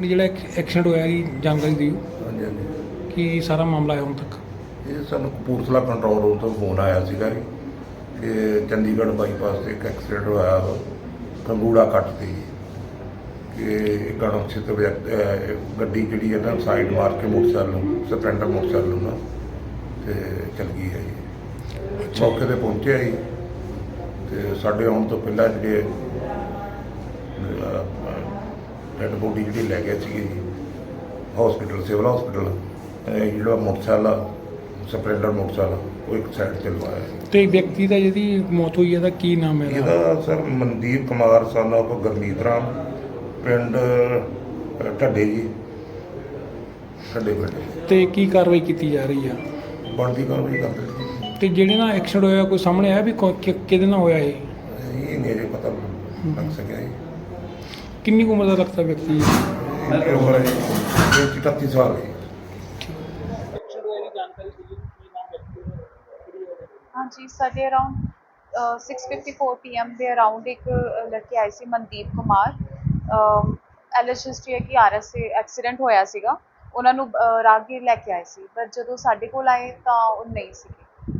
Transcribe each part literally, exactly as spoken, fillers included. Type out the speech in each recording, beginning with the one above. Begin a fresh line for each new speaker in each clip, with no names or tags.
ਆਪਣੀ ਜਿਹੜਾ ਐਕਸੀਡੈਂਟ ਹੋਇਆ ਜੀ ਜਾਣਕਾਰੀ ਦਿਓ
ਹਾਂਜੀ ਹਾਂਜੀ
ਕੀ ਸਾਰਾ ਮਾਮਲਾ ਹੈ ਹੁਣ ਤੱਕ।
ਇਹ ਸਾਨੂੰ ਕਪੂਰਥਲਾ ਕੰਟਰੋਲ ਰੂਮ ਤੋਂ ਫੋਨ ਆਇਆ ਸੀਗਾ ਜੀ ਕਿ ਚੰਡੀਗੜ੍ਹ ਬਾਈਪਾਸ ਤੇ ਇੱਕ ਐਕਸੀਡੈਂਟ ਹੋਇਆ ਕੰਗੂੜਾ ਕੱਟ ਤੇ ਜੀ ਕਿ ਇੱਕ ਅਣਪਛਾਤ ਵਿਅਕਤੀ ਗੱਡੀ ਜਿਹੜੀ ਹੈ ਨਾ ਸਾਈਡ ਮਾਰ ਕੇ ਮੋਟਰਸਾਈਕਲ ਨੂੰ ਸਪਲੈਂਡਰ ਮੋਟਰਸਾਈਕਲ ਨੂੰ ਨਾ ਤੇ ਚਲ ਗਈ ਹੈ ਜੀ। ਮੌਕੇ ਤੇ ਪਹੁੰਚਿਆ ਜੀ ਤੇ ਸਾਡੇ ਆਉਣ ਤੋਂ ਪਹਿਲਾਂ ਜਿਹੜੇ ਡੈਡ ਬੋਡੀ ਜਿਹੜੀ ਲੈ ਗਏ ਸੀਗੇ ਜੀ ਹਸਪੀਟਲ ਸਿਵਲ ਹਸਪੀਟਲ ਜਿਹੜਾ ਮੋਟਰਸਾਈਕਲ ਆ ਸਪਲੈਂਡਰ ਮੋਟਰਸਾਈਕਲ ਉਹ ਇੱਕ ਸਾਈਡ ਤੇ ਲਵਾਇਆ।
ਤੇ ਵਿਅਕਤੀ ਦਾ ਜਿਹਦੀ ਮੌਤ ਹੋਈ ਹੈ ਦਾ ਕੀ ਨਾਮ ਹੈ?
ਇਹਦਾ sir Mandeep Kumar son of Gurmeet Ram ਪਿੰਡ ਢੱਡੇ ਜੀ ਢੱਡੇ ਪਿੰਡ।
ਤੇ ਕੀ ਕਾਰਵਾਈ ਕੀਤੀ ਜਾ ਰਹੀ ਆ?
ਬਣਦੀ ਕਾਰਵਾਈ ਕਰਦੇ ਜੀ।
ਤੇ ਜਿਹੜੇ ਨਾਲ ਐਕਸੀਡੈਂਟ ਹੋਇਆ ਕੋਈ ਸਾਹਮਣੇ ਆਇਆ ਵੀ ਕੌ- ਕਿ- ਕਿਹਦੇ ਨਾਲ ਹੋਇਆ ਇਹ?
ਇਹ ਨਹੀਂ ਅਜੇ ਪਤਾ ਲੱਗ ਸਕਿਆ ਜੀ।
ਕਿੰਨੀ ਕੁ ਉਮਰ ਦਾ ਲੱਗਦਾ ਵਿਅਕਤੀ?
ਇਹਦੀ ਉਮਰ ਹੈ ਜੀ ਇਕੱਤੀ ਸਾਲ ਹੈ।
हाँ जी साढ़े around six fifty four P M के अराउंड एक लड़के आए सी Mandeep Kumar L H history है कि आर एस से एक्सीडेंट होया सीगा उन्होंने राहगीर लैके आए सी पर जो साढ़े कोल आए तो वो नहीं सीगे।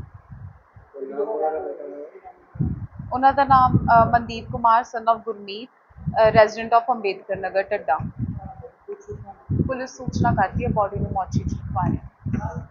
उन्हों का नाम Mandeep Kumar son of Gurmeet resident of Ambedkar Nagar Dhadda. Police सूचना करती है बॉडी में मौची च रखवाया।